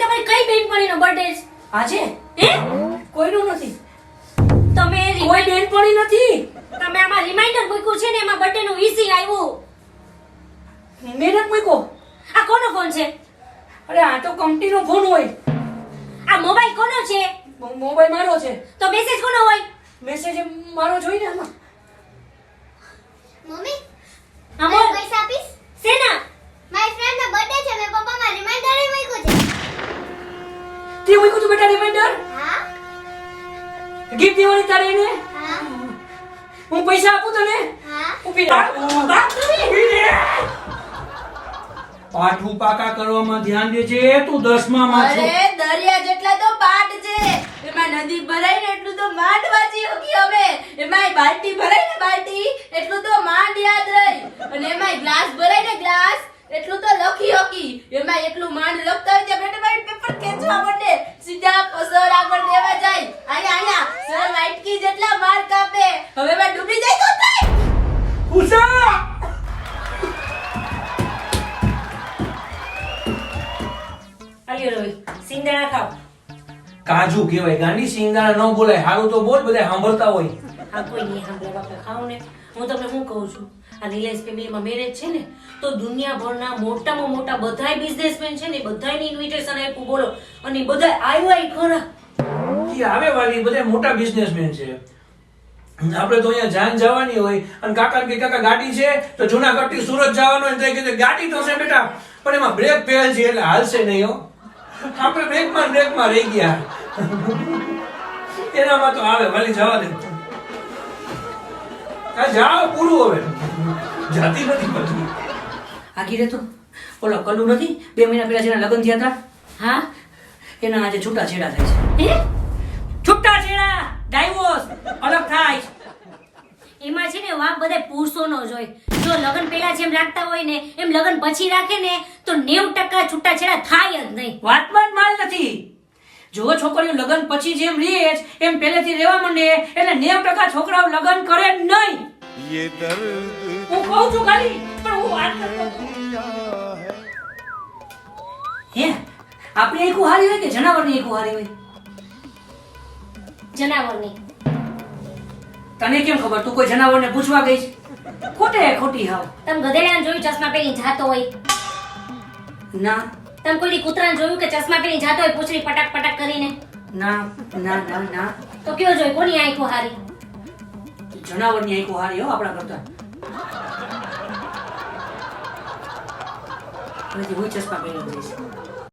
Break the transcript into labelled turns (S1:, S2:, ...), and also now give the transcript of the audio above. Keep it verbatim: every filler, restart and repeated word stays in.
S1: તમારી કઈ બેનપણીનો બર્થડે છે
S2: આજે
S1: હે
S2: કોઈનું નથી,
S1: તમે
S2: કોઈ બેનપણી નથી.
S1: તમે આમાં રિમાઇન્ડર મૂક્યું છે ને એમાં બર્થડે નું વિશિંગ આવ્યું.
S2: મેં નથી મૂક્યો.
S1: આ કોનો ફોન છે?
S2: અરે આ તો કંપનીનો ફોન હોય.
S1: આ મોબાઈલ કોનો છે?
S2: મો- મોબાઈલ મારો છે.
S1: તો મેસેજ કોનો હોય?
S2: મેસેજ મારો જોઈને આમાં.
S3: મમ્મી
S1: હા
S3: મને
S1: બોલ.
S3: પૈસા આપીશ?
S1: શેના?
S3: મારી ફ્રેન્ડ નો બર્થડે છે, મેં પપ્પામાં રિમાઇન્ડર મૂક્યું છે.
S2: તે મૂક્યું તું બેટા રિમાઇન્ડર?
S3: હા
S2: ગિફ્ટ દેવાની તારે એને?
S3: હા
S2: હું પૈસા આપું તને?
S3: હા
S2: ઊભી રહે. ઊભી રહે.
S4: પાઠું પાકા કરવામાં ધ્યાન દેજે. તું દસમામાં છો.
S5: અરે દરિયા જેટલા તો પાટ છે, એમાં નદી ભરાય ને એટલું તો માંડ વાંચી હકી અમે. એમાં બાલટી ભરાય ને બાલટી એટલું તો માંડ યાદ રહી, અને એમાં ગ્લાસ ભરાય ને ગ્લાસ એટલું તો લખી હકી. એમાં એટલું માંડ લખતા હોય ત્યાં બેટા મારી પેપર ખેંચવા માંડે, સીધા સર આગળ દેવા જાય. અહીંયા અહીંયા સર વાટકી જેટલા માર્ક આપે. હવે એમાં ડૂબી જાય તો થાય.
S4: ઉષા!
S1: આલ્યો રવિ સિંગદાણા ખાવ.
S4: કાજુ કહેવાય ગાંડી, સિંગાડા ન બોલાય. હારું તો બોલ, બધા સાંભળતા હોય.
S1: આ કોઈ નહીં સાંભળે બાપા, ખાવ ને. હું તમને શું કહું છું, આ રિલાયન્સ ફેમિલીમાં મેરેજ છે ને તો દુનિયાભરના મોટામાં મોટા બધાય બિઝનેસમેન છે ને બધાયને ઇન્વિટેશન આપ્યું બોલો, અને બધાય આવ્યા ય ખરા.
S4: ઈ આવે વાલી બધા મોટા બિઝનેસમેન છે. આપણે તો અહીંયા જાન જવાની હોય અને કાકા કે કાકા ગાડી છે તો જુનાગઢ થી સુરત જવાનું હોય તો એ કીધું ગાડી તો છે બેટા, પણ એમાં બ્રેક ફેલ છે એટલે હાલશે નહીં હો. આપણે બ્રેકમાં બ્રેકમાં રહી ગયા. એનામાં તો આવે વાલી, જવા દે. આ જાઓ પૂરું હવે, જાતી નથી પછી.
S2: આગી રે તો ઓલો કલ્લુ નથી બે મહિના પહેલા જેના લગ્ન થયા હતા,
S1: હા
S2: એના આજે છૂટા છેડા થાય છે.
S1: હે
S2: છૂટા છેડા, ડાઈવોર્સ, અલગ થાય.
S1: એમાં છે ને વાંક બધા પુરુષોનો જ હોય. જો લગ્ન પહેલા જેમ રાખતા હોય ને એમ લગ્ન પછી રાખે ને તો નેવું ટકા છૂટાછેડા થાય જ નહીં.
S2: વાતમાં જ માલ નથી. જો છોકરીઓ લગ્ન પછી જેમ રહે છે, એમ પહેલેથી રહેવા માંડે એટલે નેવું ટકા છોકરાઓ લગ્ન કરે જ નહીં.
S6: ये दर्द
S2: હું કહું છું ખાલી, પણ હું વાત કરતો હતો. હે આપણી આંખો હારી હોય કે જનાવરની આંખો હારી હોય?
S1: જનાવરની.
S2: તને કેમ ખબર? તું કોઈ જનાવરને પૂછવા ગઈ છે? ખોટે ખોટી હાવ.
S1: તમે ગધેડાને જોયું ચશ્મા પહેરીને જાતો હોય?
S2: ના
S1: તમે કોઈ દી કૂતરાને જોયું કે ચશ્મા પહેરીને જાતો હોય પૂંછડી પટાક પટાક કરીને?
S2: ના ના ના ના,
S1: તો કયો જોઈ કોની આંખો હારી?
S2: જનાવરની આંખો હારી હો આપણા કરતા. હવેથી હું ચશ્મા પહેરી જઈશ.